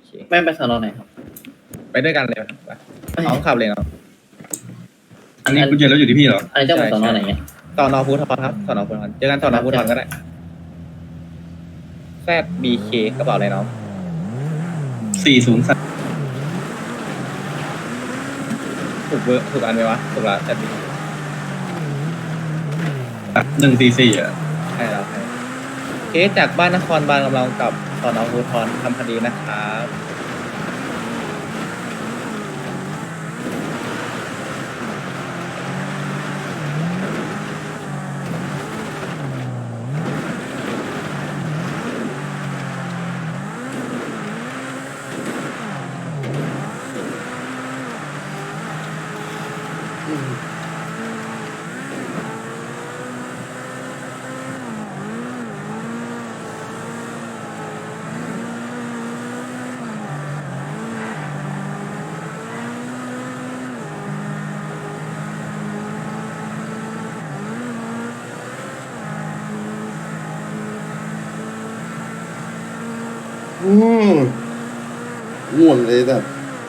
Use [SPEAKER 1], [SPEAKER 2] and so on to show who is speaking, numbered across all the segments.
[SPEAKER 1] ไม่ไปสอนอไหนครับ
[SPEAKER 2] ไปด้วยกันเลยครับไปน้องขับเลยเนาะ
[SPEAKER 3] อันนี้กุญแจรถอยู่ที่พี่เหรอ
[SPEAKER 1] อันนี้จะไปสอนอไหนเนี่ย
[SPEAKER 2] สอนอภูธรครับสอนอภูธรเจอกันสอนอภูธรก็ได้แซดบีเคกระเป๋าอะไรน้อง
[SPEAKER 3] 403
[SPEAKER 2] ถูกเบอร์ถูกอันไหมวะถูกละแซดบี
[SPEAKER 3] 144อ่ะ
[SPEAKER 2] ใช่แล้วใช่เคสจากบ้านนครบาลกำลังกับสอนอภูธรทำคดีนะครับ
[SPEAKER 4] อืมง่วงเลยแบบ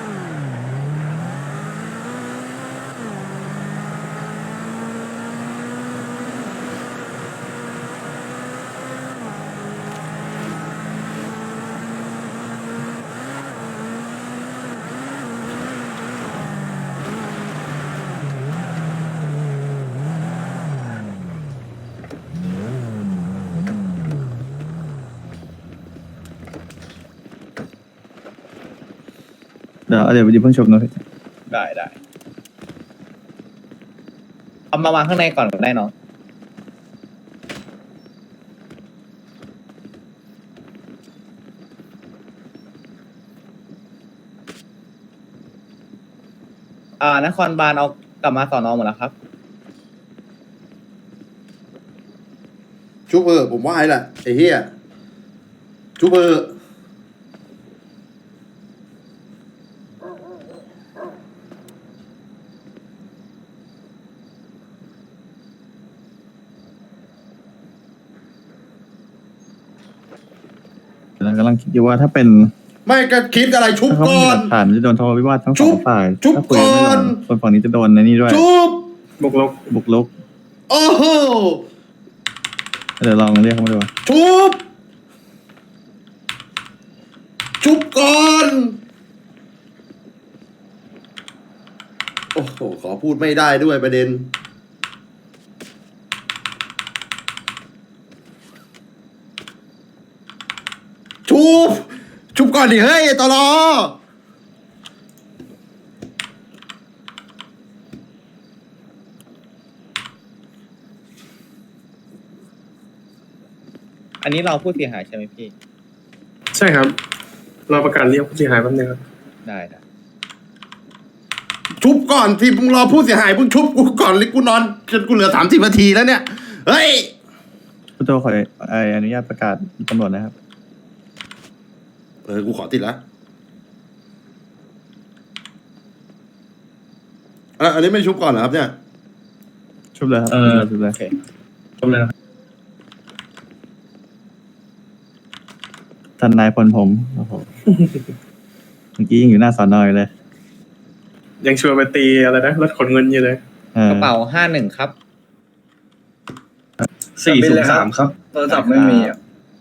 [SPEAKER 5] เดี๋ยวเพิ่งชมนะ
[SPEAKER 2] ได้เอามาวางข้างในก่อนก็ได้น้องนครบาลเอากลับมาสอนอหมดแล้วครับ
[SPEAKER 4] ชุบผมว่าไอ้แหละไอ้เหี้ยชุบ
[SPEAKER 5] กำลังคิดอยู่ว่าถ้าเป็น
[SPEAKER 4] ไม่ก็คิดอะไรชุบ
[SPEAKER 5] ถ้าเขา
[SPEAKER 4] ก่
[SPEAKER 5] มี
[SPEAKER 4] อ
[SPEAKER 5] ห
[SPEAKER 4] น
[SPEAKER 5] ลักฐานจะโดนทะเลาะวิวาททั้ง
[SPEAKER 4] จุ๊
[SPEAKER 5] สอบ งฝ่าย
[SPEAKER 4] จุ๊บ
[SPEAKER 5] ถ้าคุยไม่ล
[SPEAKER 4] ก่อน
[SPEAKER 5] งคนฝั่งนี้จะโดนในนี่ด้วย
[SPEAKER 4] ชุบ
[SPEAKER 3] บุกรุก
[SPEAKER 4] โอ้โห
[SPEAKER 5] เดี๋ยวลองเรียกเขามาดู
[SPEAKER 4] ชุบก่อนโอ้โหขอพูดไม่ได้ด้วยประเด็นชุบก่อนดิเฮ้ยตลอ
[SPEAKER 2] อันนี้เราผู้เสียหายใช่ไหมพี่
[SPEAKER 3] ใช่ครับ เราประกาศเรียกผู้เสียหายแป๊บนึงครับ
[SPEAKER 2] ได้
[SPEAKER 4] ชุบก่อนที่มึงรอผู้เสียหายมึงชุบกูก่อนเลยกูนอนจนกูเหลือ30 นาทีแล้วเนี่ยเฮ้ย
[SPEAKER 5] ผู้โจขออนุญาตประกาศตำรวจนะครับ
[SPEAKER 4] กูขอติดแล้วอันนี้ไม่ชุบก่อนเหรอครับเนี่ย
[SPEAKER 5] ชุบเลยครับชุบเลย
[SPEAKER 2] โอเค
[SPEAKER 3] จบเลยนะ
[SPEAKER 5] ท่านนายพลผมโอ้โหเมื่อกี้ยังอยู่หน้าสอนอยเลย
[SPEAKER 3] ยังชวนไปตีอะไรนะรถขนเงินอยู่เลย
[SPEAKER 2] กระเป๋า51ครับ
[SPEAKER 3] 403ครับ
[SPEAKER 1] โทรศัพท์ไม่มีอ่ะ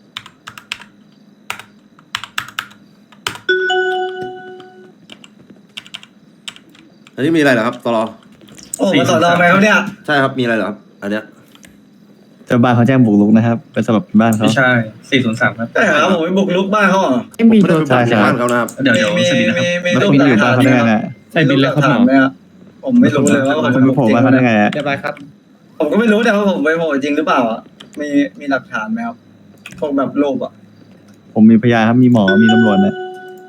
[SPEAKER 4] อันนี้มีอะไรเหรอครับตลอ
[SPEAKER 1] โอ้มาสอนอไหมครับเนี่ย
[SPEAKER 4] ใช่ครับมีอะไรเหรอครับอันเนี้ย
[SPEAKER 5] เจ้าบ้านเขาแจ้งบุกรุกนะครับ เป็นสำหรับบ้านเขา
[SPEAKER 3] ไม่ใช่ 403ครับ
[SPEAKER 1] ใช่ครับผมไปบุกรุกบ้านเขาเหรอ
[SPEAKER 5] ไม่มี
[SPEAKER 4] ไม่ได้
[SPEAKER 5] ตัว
[SPEAKER 4] ไป
[SPEAKER 5] ใช่
[SPEAKER 4] บุก
[SPEAKER 5] ค
[SPEAKER 4] บ้า
[SPEAKER 5] รับ
[SPEAKER 4] นเขานะครับ
[SPEAKER 3] เดี๋ยวสวัสดีนะครับ
[SPEAKER 5] แล้วคุณอยู่บ้านเขาได้ไงเนี่ย
[SPEAKER 3] ใช่บินแล้วครับหมอ
[SPEAKER 1] ไหมครับผมไม่รู้เลยว่า
[SPEAKER 5] คุณไปโผล่บ้านเขาได้ไงอะ
[SPEAKER 2] เรียบร้อยครับ
[SPEAKER 1] ผมก็ไม่รู้แต่ว่าผมไปโผล่จริงหรือเปล่าอ่ะมีหลักฐานไหมครับพวกแบบรูปอ่ะ
[SPEAKER 5] ผมมีพยานครับมีหมอมีตำรวจเนี่ย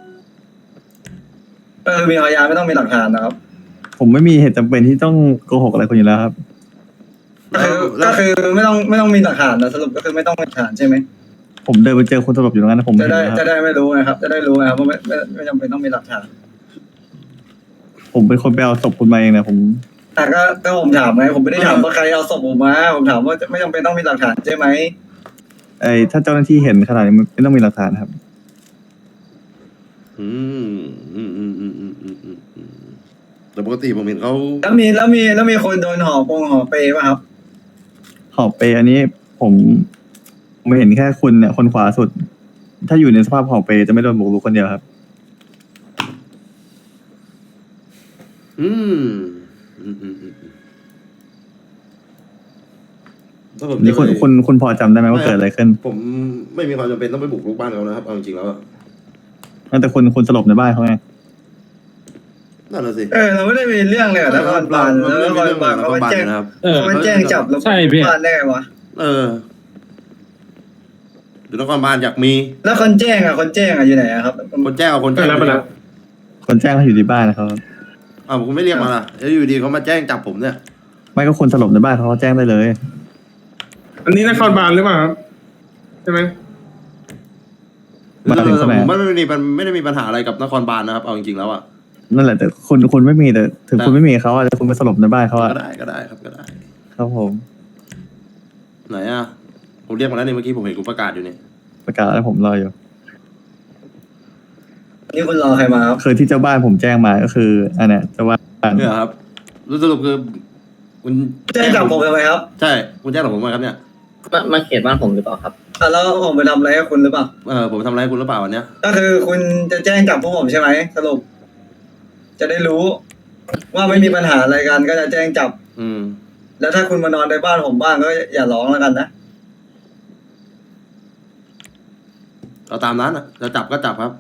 [SPEAKER 1] มีพยานไม่ต้องมีหลักฐานนะครับ
[SPEAKER 5] ผมไม่มีเหตุจำเป็นที่ต้องโกหกอะไรคุณอยู่แล้วครับ
[SPEAKER 1] ก็คือไม่ต้องมีหลักฐานนะสรุปก็คือไม่ต้องมีหลักฐานใช่ไหม
[SPEAKER 5] ผมเดินไปเจอคนสลบอยู่ตรงนั้นนะผม
[SPEAKER 1] จะ
[SPEAKER 5] เห็น
[SPEAKER 1] ได้
[SPEAKER 5] นะครับ
[SPEAKER 1] จะได้ไม่รู้นะครับ จะได้รู้นะครับว่าไม่จำเป็นต้องมีหลักฐาน
[SPEAKER 5] ผมเป็นคนไปเอาศพคุณมาเองนะผม
[SPEAKER 1] แต่ก็ผมถามไงผมไม่ได้ถามว่าใครเอาศพผมมาผมถามว่าไม่จำเป็นต้องมีหลักฐานใช่ไหม
[SPEAKER 5] ถ้าเจ้าหน้าที่เห็นขนาดนี้มันไม่ต้องมีหลักฐานครับ
[SPEAKER 4] อืมอืมอืมอืมอืมอืมอืมอืมแต่ปกติผมเห็นเขา
[SPEAKER 1] แล้วมีคนโดนห่อเปป่ะครับ
[SPEAKER 5] หอบไปอันนี้ผมผมเห็นแค่คุณเนี่ยคนขวาสุด ถ้าอยู่ในสภาพหอบไปจะไม่โดนบุกรุกคนเดียวครับ
[SPEAKER 4] อืมอืมอืมอืมอืมถ้าผม
[SPEAKER 5] นี่
[SPEAKER 4] จะ
[SPEAKER 5] คุณ
[SPEAKER 4] ไป
[SPEAKER 5] คุณพอจำได้ไหมว่าเกิดอะไรขึ้น
[SPEAKER 4] ผมไม่มีความจำเป็นต้องไปบุกรุกบ้านเขานะครับเอาจริงๆแล้วอะ
[SPEAKER 5] แต่คุณสลบในบ้านเขาไง
[SPEAKER 4] นั่นแหละสิ
[SPEAKER 1] เราไม่ได้มีเรื่องเลยอะนครบาล
[SPEAKER 4] เรา
[SPEAKER 1] แล้ว
[SPEAKER 4] ไม่
[SPEAKER 1] น
[SPEAKER 4] ได้
[SPEAKER 1] ค
[SPEAKER 4] มี
[SPEAKER 1] ร
[SPEAKER 4] เรื่อง
[SPEAKER 1] บาล
[SPEAKER 4] กับน
[SPEAKER 1] เขา
[SPEAKER 4] คร
[SPEAKER 1] มา
[SPEAKER 4] บาล
[SPEAKER 1] แจ้ง
[SPEAKER 4] นะครับ
[SPEAKER 1] เขามาแจ้งจับเรา
[SPEAKER 6] ใช่พี่
[SPEAKER 1] บ้านได้ไงวะ
[SPEAKER 4] เออหรือนครบาลอยากมี
[SPEAKER 1] แล้วคนแจ้งอยู่ไหนอะครับ
[SPEAKER 4] คนแจ้งเอาคน
[SPEAKER 3] ไป
[SPEAKER 4] แจ้ง
[SPEAKER 3] แล้วไปแล้ว
[SPEAKER 5] คนแจ้งเขาอยู่ที่บ้านนะครับ
[SPEAKER 4] อ้าวคุณไม่เรียกมาล่ะแล้วอยู่ดีเขามาแจ้งจับผมเนี่ย
[SPEAKER 5] ไม่ก็คุณสลบในบ้านเขาแจ้งได้เลย
[SPEAKER 3] อันนี้นครบาลหรือเปล่าครับใช่ไหม
[SPEAKER 5] มาถึงสมัย
[SPEAKER 4] ผมไม่ได้มีปัญหาอะไรกับนครบาลนะครับเอาจริงๆแล้วอ่ะ
[SPEAKER 5] นั่นแหละแต่คุณไม่มีแต่ถึงคุณไม่มีเขาอะแต่คุณไปสลบในบ้านเขาอะ
[SPEAKER 4] ก็ได้ครับก็ได้
[SPEAKER 5] ครับผม
[SPEAKER 4] ไหนอ่ะผมเรียกมาแล้วนี่เมื่อกี้ผมเห็นคุณประกาศอยู่นี่
[SPEAKER 5] ประกาศแล้วผมรออยู่
[SPEAKER 1] นี่คุณรอใครมาครับ
[SPEAKER 5] คือที่เจ้าบ้านผมแจ้งมาก็คืออันเนี้ยเจ้าบ้าน
[SPEAKER 4] เนี่ยครับรู้สรุปคือคุณ
[SPEAKER 1] แจ้งจับผมทำไมครับ
[SPEAKER 4] ใช่คุณแจ้งจับผมมาครับเนี่ย
[SPEAKER 6] มาเขตบ้านผมหรือเปล่าครับ
[SPEAKER 1] แล้วผมไปทำอะไรให้คุณหรือเปล่า
[SPEAKER 4] ผมทำอะไรให้คุณหรือเปล่าวันเนี้ย
[SPEAKER 1] ก็คือคุณจะแจ้งจับพวกผมใช่ไหมสรุป จะได้รู้ ว่าไม่มีปัญหาอะไรกันก็จะแจ้งจับ
[SPEAKER 4] อืม
[SPEAKER 1] แล้วถ้าคุณมานอนในบ้านผมบ้างก็อย่าร้องแล้วกันนะ
[SPEAKER 4] เราตามนั้นอ่ะจะจับก็จับครับ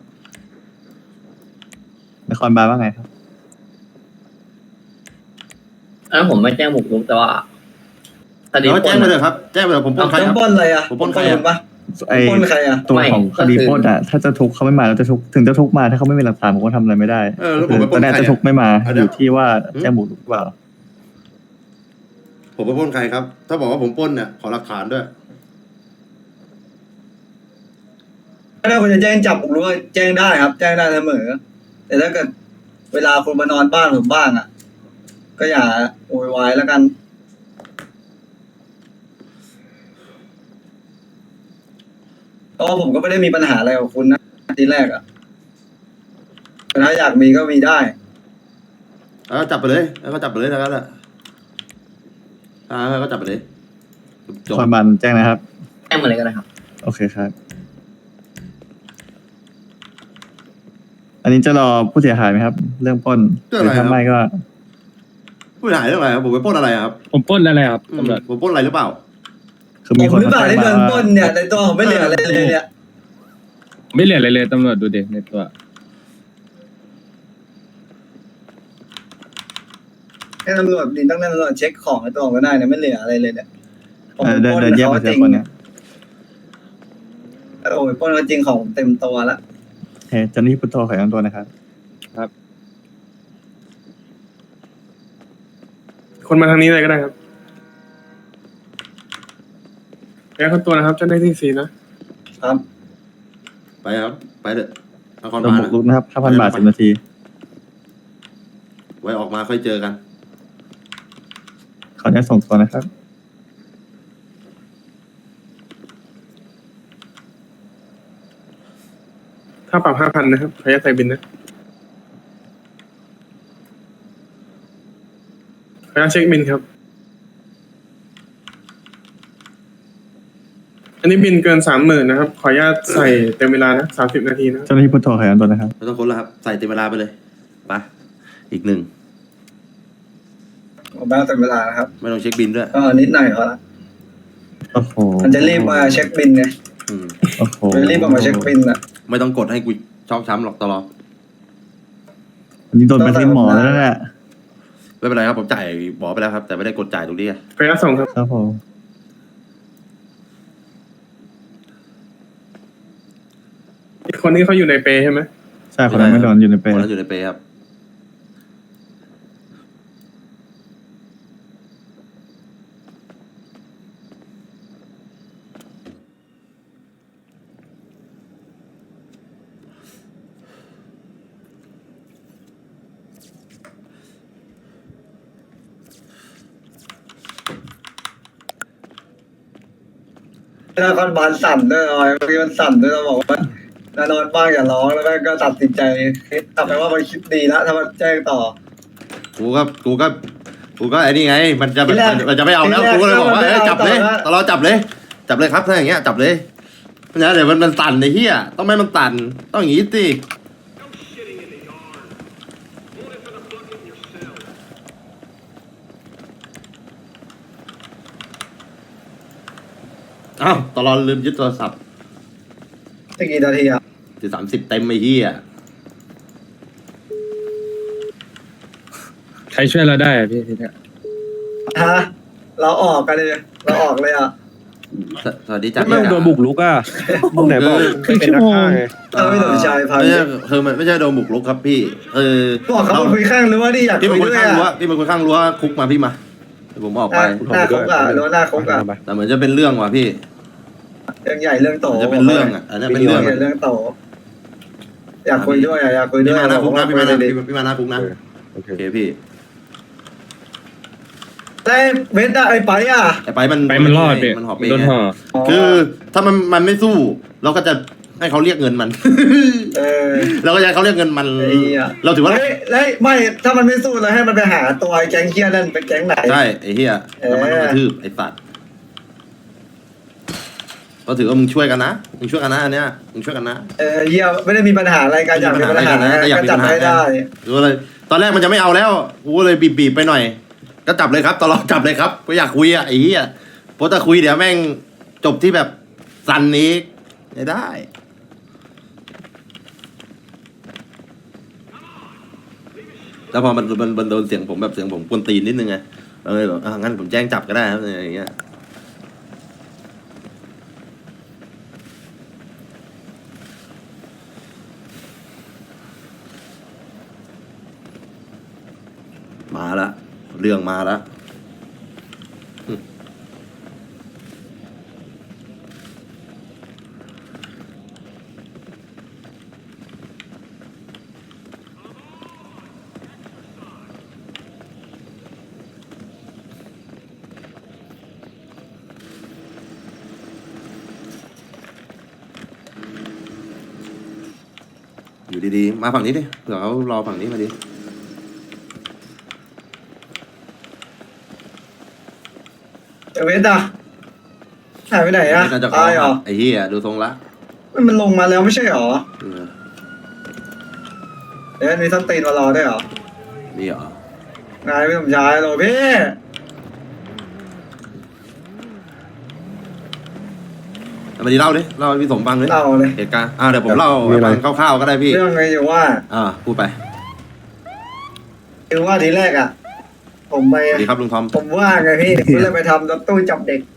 [SPEAKER 5] นครบาลว่าไงครับ
[SPEAKER 6] อันนั้นผมไม่แจ้งบุกรุกแต่ว่าคดี
[SPEAKER 4] แล้วแจ้งไปเลยครับแจ้งไปเลยผมปล้นใคร
[SPEAKER 1] ต้
[SPEAKER 4] ค
[SPEAKER 1] อ
[SPEAKER 4] รั
[SPEAKER 1] ง
[SPEAKER 4] บ
[SPEAKER 1] ปล้นอะไรอะ
[SPEAKER 4] ผมปล้นใครอะ
[SPEAKER 1] คุณปะ
[SPEAKER 5] ไอ
[SPEAKER 1] ปล้นใครอะ
[SPEAKER 5] ตัวของคดีปล้นอะถ้าจะทุกข์เขาไม่มาแล้วจะทุกข์ถึงจะทุกข์มาถ้าเขาไม่มีหลักฐานผมก็ทำอะไรไม่ได้
[SPEAKER 4] แล้วผมไปป
[SPEAKER 5] ต
[SPEAKER 4] ล้
[SPEAKER 5] อน นนี้
[SPEAKER 4] ใคร
[SPEAKER 5] จะทุกข์ไม่มา
[SPEAKER 4] อัน
[SPEAKER 5] อ
[SPEAKER 4] เนี้ย
[SPEAKER 5] ยู่ที่ว่าแจ้งบุกรุกหรือเปล่า
[SPEAKER 4] ผมไปปล้นใครครับ ถ้าบอกว่าผมปล้นเนี่ยขอหลักฐานด้วย
[SPEAKER 1] ถ้าคุณจะแจ้งจับผมรู้ว่าแจ้งได้ครับ แจ้งได้เสมอ แต่ถ้าเกิดเวลาคุณมานอนบ้านผมบ้างอะก็อย่าโวยวายแล้วกัน เพราะว่าผมก็ไม่ได้มีปัญหาอะไรกับคุณนะทีแรกอะแต่ถ้าอยากมีก็มีได้
[SPEAKER 4] แล้วจับไปเลยแล้วก็จับไปเลยแล้วกันแหละก็จับไปเลยจ
[SPEAKER 5] น
[SPEAKER 4] บ
[SPEAKER 5] ครบาลแจ้งนะครับ
[SPEAKER 6] แจ้งมาเลยก็ได้ครับ
[SPEAKER 5] โอเคครับ อันนี้จะรอผู้เสียหายไหมครับ เรื่องปล้นหรือถ้าไม่ก็
[SPEAKER 4] ผู้หายเรื่องอะไรครับผมไปปล้นอะไรครับ
[SPEAKER 6] ผมปล้นอะไรครับ
[SPEAKER 4] อืมผมปล้นอะไรหรือเปล่า
[SPEAKER 5] คือ
[SPEAKER 1] ผ
[SPEAKER 5] มี
[SPEAKER 1] ม
[SPEAKER 5] คน
[SPEAKER 1] หรือเปล่า
[SPEAKER 5] มา
[SPEAKER 1] ที่
[SPEAKER 5] แจ้
[SPEAKER 1] โด
[SPEAKER 5] ง
[SPEAKER 1] น
[SPEAKER 5] มา
[SPEAKER 1] ปล้นเนี่ยในตัวผมไม่เหลืออะไรเลยเนี่ย
[SPEAKER 7] ไม่เหลืออะไรเลยตำรวจดูเด็กในตัว
[SPEAKER 1] ให้ตำรวจดินต้องนั่นตำรวจเช็คของในตัวผมก็ได้เนี่ยไม่เหลืออะไรเลยเนี่ยผม
[SPEAKER 5] เดิน
[SPEAKER 1] ปล้น
[SPEAKER 5] เดินแยก
[SPEAKER 1] เขา
[SPEAKER 5] มา
[SPEAKER 1] จ
[SPEAKER 5] เจอ
[SPEAKER 1] ริง
[SPEAKER 5] คนเนี่ย
[SPEAKER 1] โอ้ยปล้นเขาจริงของผมเต็มตัวแล้ว
[SPEAKER 5] โอเคเจ้าหน้าที่พุทโธขอยังตัวนะครับ
[SPEAKER 3] คนมาทางนี้เลยก็ได้ครับแล้วคนตัวนะครับเจ้าหน้าที่สี่นะครับ
[SPEAKER 4] ไปครับ ไปเถอะนคร
[SPEAKER 5] โดน
[SPEAKER 4] บาล
[SPEAKER 5] บุกรุกนะครับ 5,000 บาท 10 นาที
[SPEAKER 4] ไว้ออกมาค่อยเจอกัน
[SPEAKER 5] ขออนุญาตส่งตัวนะครับ
[SPEAKER 3] ค่าปรับ5,000นะครับขออนุญาตใส่บินนะขออนุญาตเช็คบินครับ อันนี้บินเกิน 30,000นะครับ ขออนุญาตใส่เต็มเวลานะ30 นาทีนะ
[SPEAKER 5] เจ้าหน้าที่พุทโธขอยังตัวนะครับ
[SPEAKER 4] ไม่ต้องค้นแล้วครับ ใส่เต็มเวลาไปเลยไปอีกหนึ่ง
[SPEAKER 1] ผมบ้างเต็มเวลานะครับ
[SPEAKER 4] ไม่ต้องเช็คบินด้วย
[SPEAKER 1] ก็นิดหน่อยพอละ
[SPEAKER 5] โอ้โห
[SPEAKER 1] มันจะรีบมาเช็คบินไง
[SPEAKER 4] อืม
[SPEAKER 5] โอ้โห
[SPEAKER 1] มันรีบมาเช็คบินอะ
[SPEAKER 4] ไม่ต้องกดให้กูชอกช้ำหรอกตลอด
[SPEAKER 5] อันนี้โดนไปที่หมอแล้วเนี่ย
[SPEAKER 4] ไม่เป็นไรครับผมจ่ายหมอไปแล้วครับ แต่ไม่ได้กดจ่ายตรงนี้อะ
[SPEAKER 3] ขออนุญาตส่งครับ
[SPEAKER 5] ครับผม
[SPEAKER 3] อีกคนนี้เขาอยู่ในเปใช่ไหม
[SPEAKER 5] ใช่คนนั้นไม่โดนอยู่ในเปร
[SPEAKER 4] คน
[SPEAKER 5] ย์
[SPEAKER 4] นั้นอยู่ในเปรย์ครับ
[SPEAKER 1] นครบาลสั่นด้วยเมื่อกี้มันสั่นด้วยเราบอกว่านอนบ้างอย่าร้องแล้วก็ตัดสินใจคิดเอาไปว่ามันคิดดีแล้วถ้ามันแจ้งต่อ
[SPEAKER 4] กูก็ไอ้นี่ไง มันจะ
[SPEAKER 1] ทีแรก
[SPEAKER 4] มันจะไม่เอาแล้ว
[SPEAKER 1] ทีแรก
[SPEAKER 4] กูก็เลยบอกว่า
[SPEAKER 1] มันไม่
[SPEAKER 4] เอ้ย
[SPEAKER 1] เอา
[SPEAKER 4] จับเลย
[SPEAKER 1] ต่อแล้ว
[SPEAKER 4] ตลอดจับเลยครับถ้าอย่างเงี้ยจับเลยเพราะฉะนั้นเดี๋ยวมันตันไอ้เหี้ยต้องไม่ให้มันตันต้องอย่างงี้สิอ้าวตลอดลืมยึดโทรศัพท์
[SPEAKER 1] จะกี่นาทีอ่ะ
[SPEAKER 4] ถึง30เต็มไอ้เหี้ย
[SPEAKER 7] ใครช่วยเราได้อะพี่ทีเนี้ย
[SPEAKER 1] ฮะเราออกกันเลยเราออกเลยอ่ะ
[SPEAKER 4] สวัสดีจ้ะ
[SPEAKER 8] ไม่โดนบุกรุกอ่ะมึงไหนบอกเป็นนักฆ่าไง
[SPEAKER 1] เราไม่สนใจพา
[SPEAKER 4] ไม่
[SPEAKER 1] พี่
[SPEAKER 4] ใช่คือมันไม่ใช่โดนบุกรุกครับพี่
[SPEAKER 1] บอกเขามาคุยข้างหรือว่านี่อยาก
[SPEAKER 4] พี่
[SPEAKER 1] คุ
[SPEAKER 4] เป็น
[SPEAKER 1] ย
[SPEAKER 4] คน
[SPEAKER 1] ด้วย
[SPEAKER 4] ข้างรั้ว
[SPEAKER 1] อ่ะ
[SPEAKER 4] พี่เป็นคนข้างรั้วคุกมาพี่มาเดี๋ยวผมออกไป
[SPEAKER 1] หน้าคุกอ่ะหรือว่าหน้าคุกอ่ะ
[SPEAKER 4] แต่เหมือนจะเป็นเรื่องว่ะพี่
[SPEAKER 1] เรื่องใหญ่เรื่องโต
[SPEAKER 4] เหมือนจะเป็นเรื่องอ่ะอันนี้เป็นเรื่อง
[SPEAKER 1] เรื่องโตอยากคุยด้วยอ่ะอยากคุยด้
[SPEAKER 4] พี่
[SPEAKER 1] วย
[SPEAKER 4] มาหน้าคุกนะพี่มาหน้า
[SPEAKER 1] ดี
[SPEAKER 4] พี่มาหน้าคุกนะ
[SPEAKER 8] โอเค
[SPEAKER 4] โอเคพี่
[SPEAKER 1] แต่เวทอะไอ้ไปอ่ะ
[SPEAKER 4] แต่ไปมัน
[SPEAKER 7] ไปมันรอดพี่
[SPEAKER 4] มันหอบ
[SPEAKER 7] มัน
[SPEAKER 4] เอ
[SPEAKER 7] โด
[SPEAKER 4] ง
[SPEAKER 7] นห่อ
[SPEAKER 4] คือถ้ามันไม่สู้เราก็จะให้เขาเรียกเงินมัน เราก็จะให้เขาเรียกเงินมัน
[SPEAKER 1] ไอ้เหี้ย
[SPEAKER 4] เราถือว่า
[SPEAKER 1] แล้วไม่ถ้ามันไม่สู้เราให้มันไปหาตัวไอ้แก๊งเคียนั่นเป็นแก๊งไหน
[SPEAKER 4] ใช่ไอ้เหี้ยแล้วมันต้องกระทืบไอ้สัตว์เราถือว่ามึงช่วยกันนะมึงช่วยกันนะอันเนี้ยมึงช่วยกันนะ
[SPEAKER 1] เหี้ยไม่ได้มีปัญหาอะไรกันอยากมีปัญหา
[SPEAKER 4] แต่อยาก
[SPEAKER 1] ก็
[SPEAKER 4] มี
[SPEAKER 1] จั
[SPEAKER 4] ปั
[SPEAKER 1] ด
[SPEAKER 4] ญหา
[SPEAKER 1] ให้ได้
[SPEAKER 4] หรือว่าเลยตอนแรกมันจะไม่เอาแล้วกูก็เลยบีบไปหน่อย ก็จับเลยครับตลอดจับเลยครับก็อยากคุยอ่ะไอ้เหี้ยเพราะถ้าคุยเดี๋ยวแม่งจบที่แบบสันนี้ไม่ได้ แล้วพอมันโดนเสียงผมแบบเสียงผมกวนตีนนิดนึงไงเลยบอกงั้นผมแจ้งจับก็ได้ครับอย่างเงี้ยมาละเรื่องมาละอยู่ดีๆมาฝั่งนี้ดิเผื่อเขารอฝั่งนี้มาดิ
[SPEAKER 1] เวทอะหายไปไหนอะ
[SPEAKER 4] น่าจะ
[SPEAKER 1] ตายเหรอ
[SPEAKER 4] ไอ้เหี้ยดูทรงละ
[SPEAKER 1] มันลงมาแล้วไม่ใช่เหรอ
[SPEAKER 4] เออ
[SPEAKER 1] เดี๋ยวมีส้นตีนมารอได้วยเหรอ
[SPEAKER 4] นี่เหรอ
[SPEAKER 1] นายไม่สมชายหรอพี่
[SPEAKER 4] เอามาดีเล่าดิเล่าให้พี่สมฟังดิ
[SPEAKER 1] เล่าเลย
[SPEAKER 4] เหตุการณ์เดี๋ยวผมเล่าให้ฟังคร่าวๆก็ได้พี่
[SPEAKER 1] เรื่องไงอยู่ว่า
[SPEAKER 4] พูดไป
[SPEAKER 1] คือว่าทีแรกอะผมไป
[SPEAKER 4] สวัสดีครับลุงทอม
[SPEAKER 1] ผมว่างไงพี่ผมเลยไปทำรถตู้จับเด็ก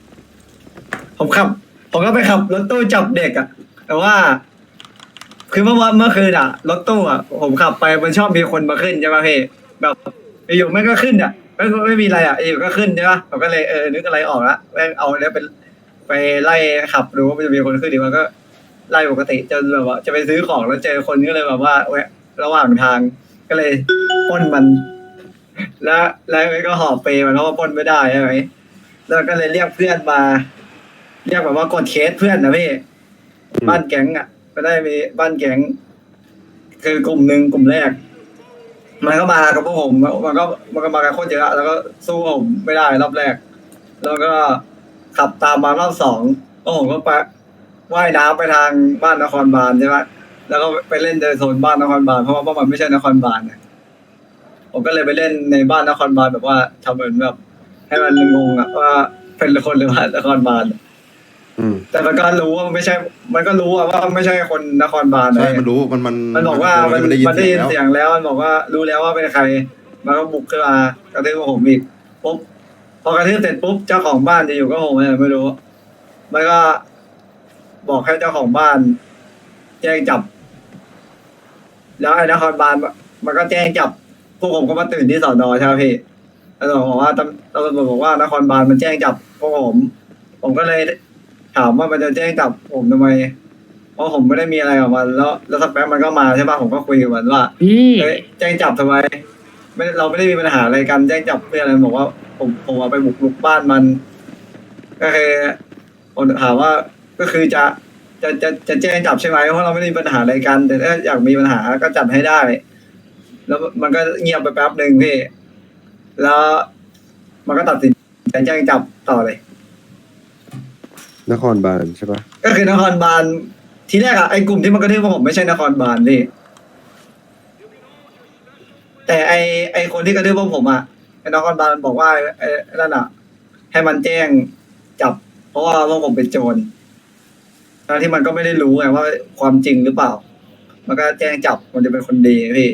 [SPEAKER 1] ผมก็ไปขับรถตู้จับเด็กอะแต่ว่า คือเมื่อคืนอะรถตู้อะผมขับไปมันชอบมีคนมาขึ้นใช่ป่ะพี่แบบอยู่ไม่ก็ขึ้นอะไม่มีอะไรอะอยู่ก็ขึ้นใช่ป่ะผมก็เลยนึกอะไรออกละแม่งเอาเนี่ยไปไล่ขับดูว่ามันจะมีคนขึ้นดีมันก็ไล่ปกติจนแบบว่าจะไปซื้อของแล้วเจอคนก็เลยแบบว่าแวะระหว่างทางก็เลยปล้นมัน แล้วก็หอบเปมันเพราะว่าปล้นไม่ได้ใช่ไหมแล้วก็เลยเรียกเพื่อนมา เรียกแบบว่ากดเคสเพื่อนนะพี่บ้านแก๊งอ่ะก็ได้มีบ้านแก๊งคือกลุ่มหนึ่งกลุ่มแรก มันก็มากับพวกผมมันก็มากันโคตรเยอะแล้วก็สู้ผมไม่ได้รอบแรก แล้วก็ขับตามมารอบสองก็ผมก็ไปว่ายน้ำไปทางบ้านนครบาลใช่ไหมแล้วก็ไปเล่นในโซนบ้านนครบาลเพราะว่ามันไม่ใช่นครบาลนะผมก็เลยไปเล่นในบ้านนครบาลแบบว่าทำเหมือนแบบให้มันงงอะว่าเป็นคนหรือว่านครบาลแต่มันก็รู้ว่ามันไม่ใช่ มันก็รู้ว่าไม่ใช่คนนครบาล
[SPEAKER 4] ใช่มันรู้มัน
[SPEAKER 1] บอกว่ามัน
[SPEAKER 4] ได้ยิน
[SPEAKER 1] ได้
[SPEAKER 4] เสี
[SPEAKER 1] ยิ
[SPEAKER 4] ย
[SPEAKER 1] น
[SPEAKER 4] งแล้ว
[SPEAKER 1] เสียงแล้วมันบอกว่ารู้แล้วว่าเป็นใครมันก็บุกขึ้นมากระทืบผมอีกปุ๊บพอกระทืบเสร็จปุ๊บเจ้าของบ้านจะอยู่ก็ผมไม่รู้มันก็บอกให้เจ้าของบ้าน แจ้งจับ แล้วไอ้นครบาลมันก็แจ้งจับพวกผมก็มาตื่นที่สอนอใช่ไหมพี่ตำรวจบอกว่าตำรวจบอกว่านครบาลมันแจ้งจับพวกผมก็เลยถามว่ามันจะแจ้งจับผมทำไมเพราะผมไม่ได้มีอะไรกับมันแล้วสักแป๊บมันก็มาใช่ป่ะผมก็คุยกับมันว่า
[SPEAKER 7] พี่
[SPEAKER 1] แจ้งจับทำไมเราไม่ได้มีปัญหาอะไรกันแจ้งจับเพื่ออะไรบอกว่าผมเอาไปบุกรุกบ้านมัน ก็คือผมถามว่าก็คือจะจะแจ้งจับใช่ไหมเพราะเราไม่ได้มีปัญหาอะไรกัน แต่ถ้าอยากมีปัญหาก็จัดให้ได้ แล้วมันก็เงียบไปแป๊บหนึ่งพี่ แล้วมันก็ตัดสินใจแจ้งจับต่อเลย
[SPEAKER 8] นครบาลใช่ปะ
[SPEAKER 1] ก็คือนครบาลทีแรกอะไอ้กลุ่มที่มันก็เรียกว่าผมไม่ใช่นครบาลพี่แต่ไอคนที่กระทืบพวกผมอะไอ้นครบาลมันบอกว่าไอ้นั่นอะให้มันแจ้งจับ เพราะว่าพวกผมเป็นโจรทั้งที่มันก็ไม่ได้รู้ไงว่าความจริงหรือเปล่า มันก็แจ้งจับมันจะเป็นคนดีพี่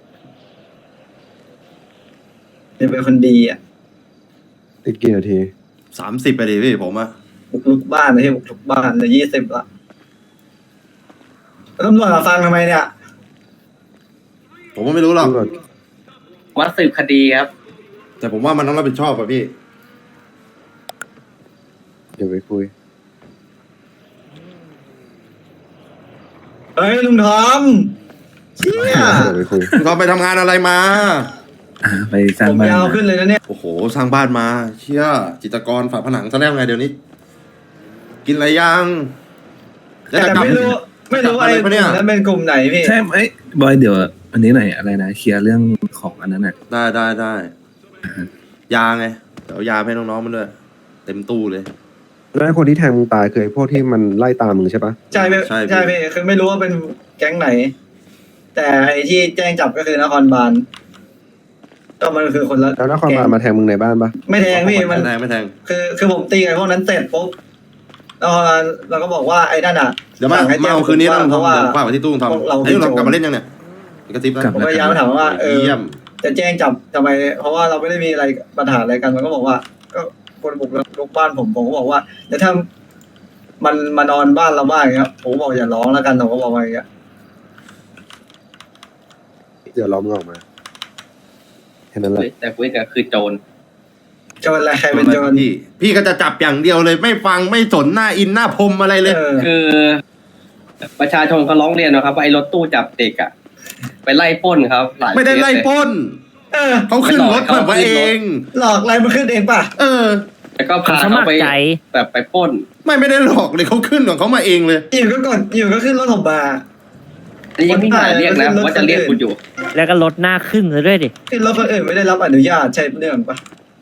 [SPEAKER 1] จะเป็นคนดีอะ
[SPEAKER 8] อีกกี่นาที
[SPEAKER 4] 30ไปดิพี่ผมอะ
[SPEAKER 1] บุกลุกบ้านนะพี่บุกลุกบ้านเลย20ละแล้วตำรวจมาฟังทำไมเนี่ย
[SPEAKER 4] ผมก็ไม่รู้หรอก
[SPEAKER 8] ตำรวจ
[SPEAKER 6] วัดสืบคดีครับ
[SPEAKER 4] แต่ผมว่ามันต้องรับผิดชอบอะพี่
[SPEAKER 8] เดี๋ยวไปคุย
[SPEAKER 1] เฮ้ยลุงทอมเชี่ย
[SPEAKER 8] เดี๋ยวไปคุย
[SPEAKER 4] เขาไปทำงานอะไรมา
[SPEAKER 7] ไปสร้าง
[SPEAKER 1] ผม
[SPEAKER 7] บ้าน
[SPEAKER 1] ยาวขึ้นเลยนะเนี่ย
[SPEAKER 4] โอ้โห สร้างบ้านมา เชี่ยจิตรกรฝาผนังซะแล้วไงเดี๋ยวนี้ กินอะไรยังจะ
[SPEAKER 1] แต่
[SPEAKER 4] กลับ
[SPEAKER 1] ไม่รู้ว่าไอ้กลุ่มนั้นเป็นกลุ่มไหนพี่
[SPEAKER 7] ใช่ไหมบอยเดี๋ยวอันนี้หน่อยอะไรนะเคลียร์เรื่องของอันนั้นน่ะ
[SPEAKER 4] ได้ยาไงเดี๋ยวยาให้น้องๆมันด้วย เต็มตู้เลย
[SPEAKER 8] แล้วไอ้คนที่แทงมึงตายคือไอ้พวกที่มันไล่ตามมึงใช่ปะ
[SPEAKER 1] ใช่พี่
[SPEAKER 4] ใช่พี่
[SPEAKER 1] ใช่พี่คือไม่รู้ว่าเป็นแก๊งไหน แต่ไอ้ที่แจ้งจับก็คือนครบาลก็มันคือคนละ
[SPEAKER 8] แล้วนครบาลมาแทงมึงในบ้านปะ
[SPEAKER 1] ไม่แทงพี่มัน
[SPEAKER 4] ไม่แทง
[SPEAKER 1] คือผมตีไอ้พวกนั้นเสร็จปุ๊บแล้วเราก็บอกว่าไอ้นั่นอ่ะ
[SPEAKER 4] เดี๋ยวมา
[SPEAKER 1] สั่งให้แจ้ง
[SPEAKER 4] เอาคืนนี้ต้อง
[SPEAKER 1] เพ
[SPEAKER 4] ทำ
[SPEAKER 1] ราะว่า
[SPEAKER 4] เดี๋ยวฝากไว้ที่ตู้ทำ
[SPEAKER 1] พวกเรา
[SPEAKER 4] ไอ้เรากลับมาเล่นยังเนี่ยกระติบนะ
[SPEAKER 1] ผมพยายามถามว่า
[SPEAKER 4] เยี่ยม
[SPEAKER 1] จะแจ้งจับทำไม เพราะว่าเราไม่ได้มีอะไรปัญหาอะไรกันมันก็บอกว่า ก็คนบุกรุกบ้านผมก็บอกว่าแต่ถ้ามันมานอนบ้านเราบ้างอย่างเงี้ยผมบอกอย่าร้องแล้วกันผมก็บอกว่าอย่างเงี้ย
[SPEAKER 8] เดี๋ยวล้อมงออกมาแค่นั้นแหละ
[SPEAKER 6] แต่คุยกันคือโจร
[SPEAKER 1] โจรอะไรใครเป็นโจร
[SPEAKER 4] พี่ก็จะจับอย่างเดียวเลย ไม่ฟังไม่สนหน้าอินหน้าพรมอะไรเลย
[SPEAKER 6] คือ ประชาชนเขาร้องเรียนนะครับว่าไอ้รถตู้จับเด็กอะไปไล่ปล้นครับหลาย
[SPEAKER 4] ไม่ได้ไล่
[SPEAKER 6] เคสเลย
[SPEAKER 4] ปล้น
[SPEAKER 1] เออ
[SPEAKER 4] เขาขึ้นรถแบบว่าเอง
[SPEAKER 1] หลอกอะไรมันขึ้นเองป่ะ
[SPEAKER 4] เออ
[SPEAKER 6] แล้วก็พาเขาไปแบบไปปล้น
[SPEAKER 4] ไม่ได้หลอกเลยเขาขึ้นของเขามาเองเลย
[SPEAKER 1] อยู่ก็กดอยู่ก็ขึ้นรถผมมา
[SPEAKER 6] อันนี้ยังไม่มาเรียกนะว่าจะเรียกคุณอยู่
[SPEAKER 9] แล้วก็ลดหน้าครึ่งเลยด้วยดิ
[SPEAKER 1] ขึ้นรถคนอื่นไม่ได้รับอนุญาตใช่เรื่องป่ะ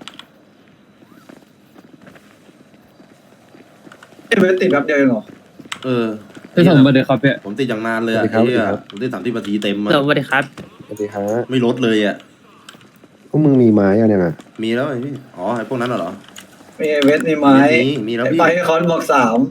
[SPEAKER 1] เวทติดแบบเดียวเองเหรอ
[SPEAKER 4] เออ
[SPEAKER 7] พี่ส่งมาเดี๋ยวครับพี่
[SPEAKER 4] ผมติดอย่างนานเลยอะ
[SPEAKER 8] สวัสดี
[SPEAKER 4] เหี้ย
[SPEAKER 8] ครับ
[SPEAKER 4] ผมติด30 นาทีเต็มอะ
[SPEAKER 9] สวัสดีครับ
[SPEAKER 8] สวัสดีฮะ
[SPEAKER 4] ไม่ลดเลยอะ
[SPEAKER 8] พวกมึงมีไม้อะเนี่ยนะ
[SPEAKER 4] มีแล้วไอ้พี่อ๋อไอ้พวกนั้นเหรอ
[SPEAKER 1] มีเวทมีไม้
[SPEAKER 4] มีแล้ว
[SPEAKER 1] ไอ้
[SPEAKER 4] พี่
[SPEAKER 1] ไปคอนบอก3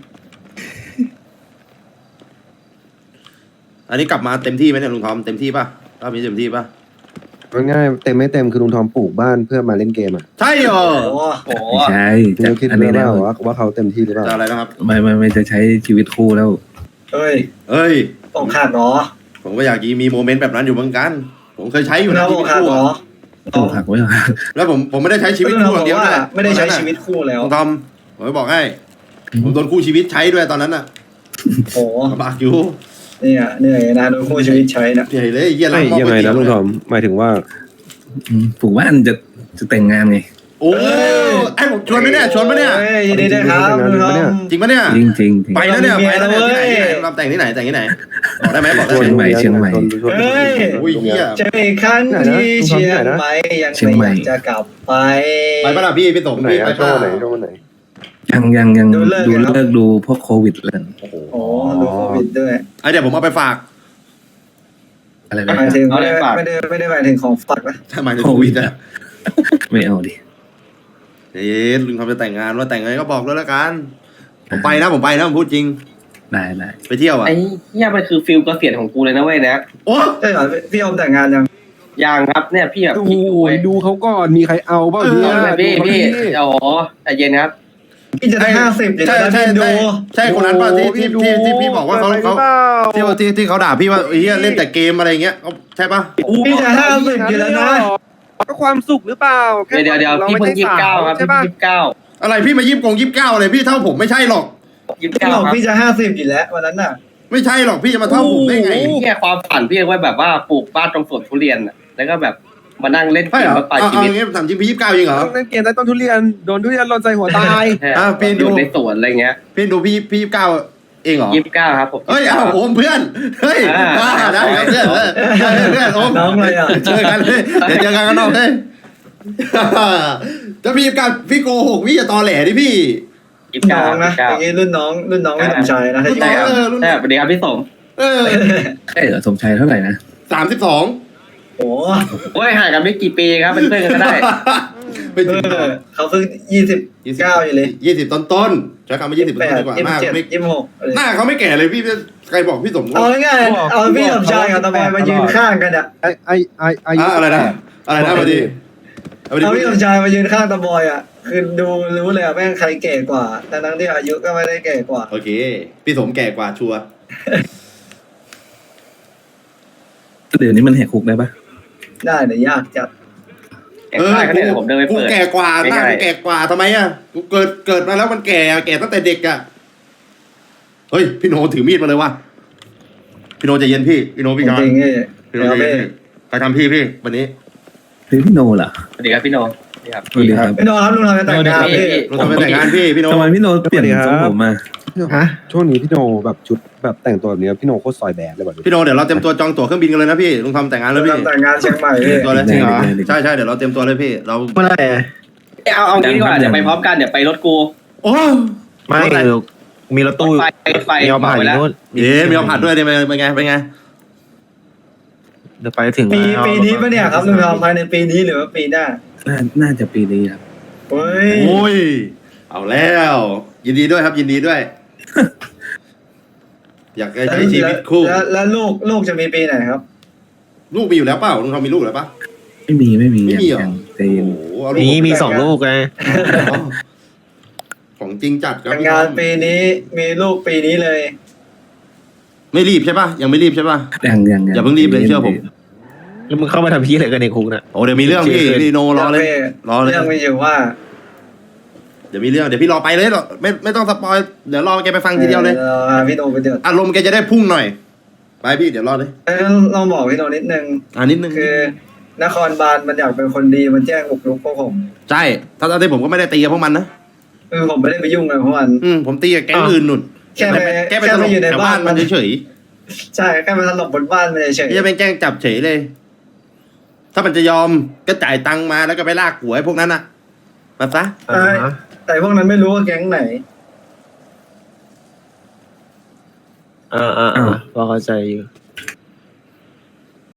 [SPEAKER 4] อันนี้กลับมาเต็มที่ไหมเนี่ยลุงทอมเต็มที่ป่ะรอบนี้เต็มที่ป่ะ
[SPEAKER 8] ง่ายๆเต็มไม่เต็มคือลุงทอมปลูกบ้านเพื่อมาเล่นเกมอ่ะ
[SPEAKER 4] ใช่เหรอ
[SPEAKER 1] โอ้
[SPEAKER 6] โอ้โห
[SPEAKER 7] ใช่
[SPEAKER 8] มึงคิด
[SPEAKER 7] อัน
[SPEAKER 8] ไหม
[SPEAKER 7] นี้แล้ว
[SPEAKER 8] ว่าเขาเต็มที่หรือเปล่า
[SPEAKER 4] จะอะไรนะครับ
[SPEAKER 7] ไม่จะใช้ชีวิตคู่แล้ว
[SPEAKER 1] เอ้ย
[SPEAKER 4] เอ้ย
[SPEAKER 1] อกหักเหรอ
[SPEAKER 4] ผมก็อยากมีโมเมนต์แบบนั้นอยู่เหมือนกัน ผมเคยใช้อยู่
[SPEAKER 1] คุณ
[SPEAKER 4] นะ
[SPEAKER 1] เอา
[SPEAKER 4] ชี
[SPEAKER 1] อ
[SPEAKER 4] วิ
[SPEAKER 1] ก
[SPEAKER 4] ต
[SPEAKER 1] หัก
[SPEAKER 4] คู่
[SPEAKER 1] เหรอ
[SPEAKER 4] อะ
[SPEAKER 7] ต้องหักไว้เหรอ
[SPEAKER 4] แล้วผมไม่ได้ใช้ชีวิตคู่อย่างเดียวด้วย
[SPEAKER 1] ไม่ได้ใช้ชีวิตคู่แล้ว
[SPEAKER 4] ลุงทอมผมจะบอกให้ ผมโดนคู่ชีวิตใช้ด้วยตอนนั้นน่ะ
[SPEAKER 1] โอ้
[SPEAKER 4] ลำบากอยู่
[SPEAKER 1] เนี่ยเหนื่อยนะโดนคู่ชีวิตใช้นะ
[SPEAKER 4] ใหญ่เลยเยี่ย
[SPEAKER 8] ไม่
[SPEAKER 4] ล้างหม้อ
[SPEAKER 8] ยังไงนะลุงทอมหมายถึงว่า
[SPEAKER 7] ปลูกบ้านจะแต่งงานไง
[SPEAKER 4] โอ้ไอ้ผมชวนไหมเนี่ยชวนไหมเนี่ย
[SPEAKER 1] เฮ้ยยินดีด้วยครับ
[SPEAKER 8] จริงๆ
[SPEAKER 1] คุณทอม
[SPEAKER 4] จริงปะเนี่ย
[SPEAKER 7] จริงจริง
[SPEAKER 4] ไปแล้วเนี่ย
[SPEAKER 1] มี
[SPEAKER 4] ไป
[SPEAKER 1] เมีย
[SPEAKER 4] แล้วเนี่ย
[SPEAKER 1] แล้วเว้ย
[SPEAKER 4] ที่ไหนเราแต่งที่ไหนแต่งที่ไหนบอกได้ไหมบอกได้
[SPEAKER 7] เชียง
[SPEAKER 4] ไห
[SPEAKER 7] ให
[SPEAKER 4] ม
[SPEAKER 7] ม่เชียงใหม่
[SPEAKER 1] เฮ้ย
[SPEAKER 4] โอ้ยเหี้ย
[SPEAKER 1] เจออีกครั้งที่เชียงใหม่ยัง
[SPEAKER 7] เชียง
[SPEAKER 1] ไม่
[SPEAKER 7] ใหม่
[SPEAKER 1] อยากจะกลับไป
[SPEAKER 4] ไปปะล่ะพี่สม
[SPEAKER 8] ไหน
[SPEAKER 4] พี่ไป
[SPEAKER 8] อะช่ว
[SPEAKER 4] ปะ
[SPEAKER 8] งไหนช่วงไหน
[SPEAKER 7] ยัง
[SPEAKER 1] ดูเลิก
[SPEAKER 7] ดู
[SPEAKER 1] กันครับ
[SPEAKER 7] เลิกดูพวกโควิดเลย
[SPEAKER 4] โอ้โห
[SPEAKER 1] โอ้ดูโควิดด้วย
[SPEAKER 4] ไอเดี๋ยวผมเอาไปฝาก
[SPEAKER 7] อะไร
[SPEAKER 1] หมายถึงไม่ได้หมายถึงของฝากนะ
[SPEAKER 4] ทำไมถึงโควิดอะ
[SPEAKER 7] ไม่เอาดิ
[SPEAKER 4] เอ๊ะลุงทำจะแต่งงานว่าแต่งไงก็บอกด้วยละกันผมไปนะผมพูดจริง
[SPEAKER 7] ได้
[SPEAKER 4] ไปเที่ยวอ่ะ
[SPEAKER 6] ไอ้เหี้ยมันคือฟิลเกษียณของกูเลยนะเว้ยนะ
[SPEAKER 4] โอ้
[SPEAKER 1] ใช่เหรอพี่อมแต่งงานยัง
[SPEAKER 6] ยังครับเนี่ยพี่แบบ
[SPEAKER 8] โอ้
[SPEAKER 6] พี่
[SPEAKER 8] โห
[SPEAKER 6] ดูเว้ย
[SPEAKER 8] ดูเขาก่อนมีใครเอาเปล่า
[SPEAKER 6] เอา
[SPEAKER 8] เนี่ย
[SPEAKER 6] เลยพี่
[SPEAKER 8] ดูเขา
[SPEAKER 6] พี่
[SPEAKER 8] ดิ
[SPEAKER 6] โอ้โหใจเย็นครับ
[SPEAKER 1] พี่จะได้50อยู่
[SPEAKER 4] ใช่
[SPEAKER 1] แล้ว
[SPEAKER 4] ใช่
[SPEAKER 1] พี่ดู
[SPEAKER 4] ใช่คนนั้นป่ะที่
[SPEAKER 8] โอ้โหดู
[SPEAKER 4] ที่พี่บอกว่าเขา
[SPEAKER 8] ไปหรือเปล่
[SPEAKER 4] ที่เขาด่าพี่ว่าเฮียเล่นแต่เกมอะไรเงี้ยใช่ป่ะ
[SPEAKER 1] พี่จะ50อยู่แล้วนะ
[SPEAKER 8] ก็ความสุขหรือเปล่าแค่
[SPEAKER 6] เดี๋ยวพี่เพิ่ง29ครับ
[SPEAKER 8] ใช่
[SPEAKER 6] พี่
[SPEAKER 8] ปะ
[SPEAKER 6] 29
[SPEAKER 4] อะไรพี่มา29อะไรพี่เท่าผมไม่ใช่หรอก
[SPEAKER 1] พี่บ
[SPEAKER 6] 29
[SPEAKER 1] อก
[SPEAKER 6] ครับ
[SPEAKER 1] พี่จะ50อยู่แล้ววันนั้นน่ะ
[SPEAKER 4] ไม่ใช่หรอกพี่จะมาเท่าผมได้ไง
[SPEAKER 6] แค่ความฝันพี่ไว้แบบว่าปลูกบ้านตรงสวนทุเรียนน่ะแล้วก็แบบมานั่งเล่นเก
[SPEAKER 4] ใช่
[SPEAKER 6] ม
[SPEAKER 4] เหรอ
[SPEAKER 6] มาปลาย
[SPEAKER 4] เอา
[SPEAKER 6] ชีวิต
[SPEAKER 4] อย่างงี้ถามจริงพี่29จริงเหรอ
[SPEAKER 8] ต้องเล่นเกมใต้ต้นทุเรียนโดนทุเรียนหล่นใส่หัวตาย
[SPEAKER 6] แค่
[SPEAKER 4] พี่ดู
[SPEAKER 6] อยู่ในสวนอะไรเงี้ย
[SPEAKER 4] พี่ดูพี่29 เองเหรอ
[SPEAKER 6] 29ครับผม
[SPEAKER 4] เฮ้ยเอาโอมเพื่อนเฮ้ยได้ครับเพื่อนเพื่อนโอม
[SPEAKER 1] น้องเลยอ่ะ
[SPEAKER 4] เจอกันเลยเดี๋ยวเจอกันข้างนอกเฮ้ยจะมีการพี่โกหกพี่จะตอแหลดิพี่
[SPEAKER 1] น้องนะอย่างงี้รุ่นน้องไม่สมชายนะถ้า
[SPEAKER 6] ใช่ครับ
[SPEAKER 1] ใช่
[SPEAKER 6] สวัสดีครับพี่สม
[SPEAKER 7] ใช่เหรอสมชายเท่าไหร่นะ
[SPEAKER 4] 32
[SPEAKER 1] โอ้
[SPEAKER 6] โอ้ยห่างกันไม่กี่ปีครับเป็นเพื่อนกันก็ได้
[SPEAKER 4] ไปถึง
[SPEAKER 1] เขาเพิ่ง29อยู่เลย
[SPEAKER 4] 20ต้นๆใช้คำว่า20ต้นๆดีกว่าหน้าเขาไม่
[SPEAKER 1] 26
[SPEAKER 4] หน้าเขาไม่แก่เลยพี่ใครบอกพี่สม
[SPEAKER 1] เอาง่ายๆเอาพี่สมชายกับตะบอยมายืนข้างกันอ่ะ
[SPEAKER 4] อะไรนะมาดี
[SPEAKER 1] เอาพี่สมชายมายืนข้างตะบอยอ่ะคือดูรู้เลยอ่ะแม่งใครแก่กว่าทั้งที่อายุก็ไม่ได้แก่กว่า
[SPEAKER 4] โอเคพี่สมแก่กว่าชัวร์
[SPEAKER 7] เดี๋ยวนี้มันแหกคุกได้ปะ
[SPEAKER 1] ได้แต่ยากจัด
[SPEAKER 6] ได้ก็เนี่ยผมเดินไป
[SPEAKER 4] กู
[SPEAKER 6] เปิด
[SPEAKER 4] แก่กว่าหน้ากูแก่กว่าทำไมอ่ะกูเกิดมาแล้วมันแก่ตั้งแต่เด็กอ่ะเฮ้ยพี่โนถือมีดมาเลยว่ะพี่โนใจเย็นพี่โนพี่ชาย
[SPEAKER 1] จริงๆ
[SPEAKER 4] พี่โนใจเย็นพี่ใครทำพี่วันนี้
[SPEAKER 7] เฮ้ยพี่โนเหรอ
[SPEAKER 6] สวัสดีครับพี่โนสวัสดีครับ
[SPEAKER 7] สวัสดีครับ
[SPEAKER 1] พี่โนครับลุงทำแต่งงานพี่
[SPEAKER 4] เราทำไปแต่งงานพี่โน
[SPEAKER 7] ทำไมพี่โนเปลี่ยนทรงผมมา
[SPEAKER 8] ฮะช่วงนี้พี่โนแบบชุดแบบแต่งตัวแบบนี้พี่โนโคตรซอยแบบเลยแบบนี้
[SPEAKER 4] พี่โนเดี๋ยวเราเตรียมตัวจองตั๋วเครื่องบินกันเลยนะพี่ลุงทำแต่งงานแล้วพี่
[SPEAKER 1] ทำแต่งงานเชียงใหม่พี่
[SPEAKER 4] ตัวเลยจริงเหรอใช่เดี๋ยวเราเตรียมตัวเลยพี่เรา
[SPEAKER 8] เมื่อไหร่
[SPEAKER 6] เอางี้ดีกว่าเดี๋ยวไปพร้อมกันเดี๋ยวไปรถกู
[SPEAKER 4] โอ้
[SPEAKER 8] ไม่มีรถตู้
[SPEAKER 6] รถไฟ
[SPEAKER 8] มีเอาผ่านอยู่นู่น
[SPEAKER 4] มีเอาผัดด้วยเนี่ยเป็นไง
[SPEAKER 8] เดี๋ยวไปถึง
[SPEAKER 1] ปีนี้ปะเนี่ยครับลุงทำภายในปีนี้หรือว่าปีหน้า
[SPEAKER 7] น่าจะปีนี้ครับ
[SPEAKER 1] เฮ้ย
[SPEAKER 4] โอ้ยเอาแล้วยินดีด้วยครับยินดีด้วย อยากใช้ชีวิตคู่
[SPEAKER 1] แล้วลูกจะมีปีไหนครับ
[SPEAKER 4] ลูกมีอยู่แล้วเปล่าลุงทำมีลูกแล้วปะ
[SPEAKER 7] ไม่มี
[SPEAKER 4] ไม่มีเหรอ
[SPEAKER 7] ยังใจ
[SPEAKER 4] โอ้
[SPEAKER 7] เย็น
[SPEAKER 4] โหเอาลูก
[SPEAKER 8] มี2 ลูกไง
[SPEAKER 4] ของจริงจัดครับ
[SPEAKER 1] แต่งงานปีนี้มีลูกปีนี้เลย
[SPEAKER 4] ไม่รีบใช่ปะยังไม่รีบใช่ปะ
[SPEAKER 7] ยัง
[SPEAKER 4] อย่าเพิ่งรีบเลยเชื่อผม
[SPEAKER 8] แล้วมึงเข้ามาทำพี่อะไรกันในคุกน่ะ
[SPEAKER 4] โอ้เดี๋ยวมีเรื่องพี่โนรอเลย
[SPEAKER 1] เรื่องมีอยู่ว่า
[SPEAKER 4] เดี๋ยวมีเรื่องเดี๋ยวพี่รอไปเลยหรอไม่ต้องสปอยเดี๋ยวรอแกไปฟังทีเดียวเลย
[SPEAKER 1] พี่โนไปเดือด
[SPEAKER 4] อารมณ์แกจะได้พุ่งหน่อยไปพี่เดี๋ยวรอเลย
[SPEAKER 1] ลองบอกพี่โนนิดนึง
[SPEAKER 4] นิดนึง
[SPEAKER 1] คือนครบาลมันอยากเป็นคนดีมันแจ้งบุกรุกพวกผม
[SPEAKER 4] ใช่ถ้าที่ผมก็ไม่ได้ตีกับพวกมันนะ
[SPEAKER 1] ผมไม่ได้ไปยุ่งกับพวกมัน
[SPEAKER 4] ผมตีกับแก๊งอื่นหนุน
[SPEAKER 1] แค่ไป
[SPEAKER 4] แกไปตลก
[SPEAKER 1] อยู่ใน
[SPEAKER 4] แถว
[SPEAKER 1] บ้า
[SPEAKER 4] บ้าน นมันเฉย
[SPEAKER 1] ใช่แค่ไปตลบบนบ้านมันเฉย
[SPEAKER 4] ๆจะเป็นแกล้งจับเฉยเลย ถ้ามันจะยอมก็จ่ายตังค์มาแล้วก็ไปลากหัวไอ้พวกนั้นน่ะมาซะ
[SPEAKER 1] แต่พวกนั้นไม่รู้ว่าแก๊งไหน
[SPEAKER 8] พอเข้าใจอยู่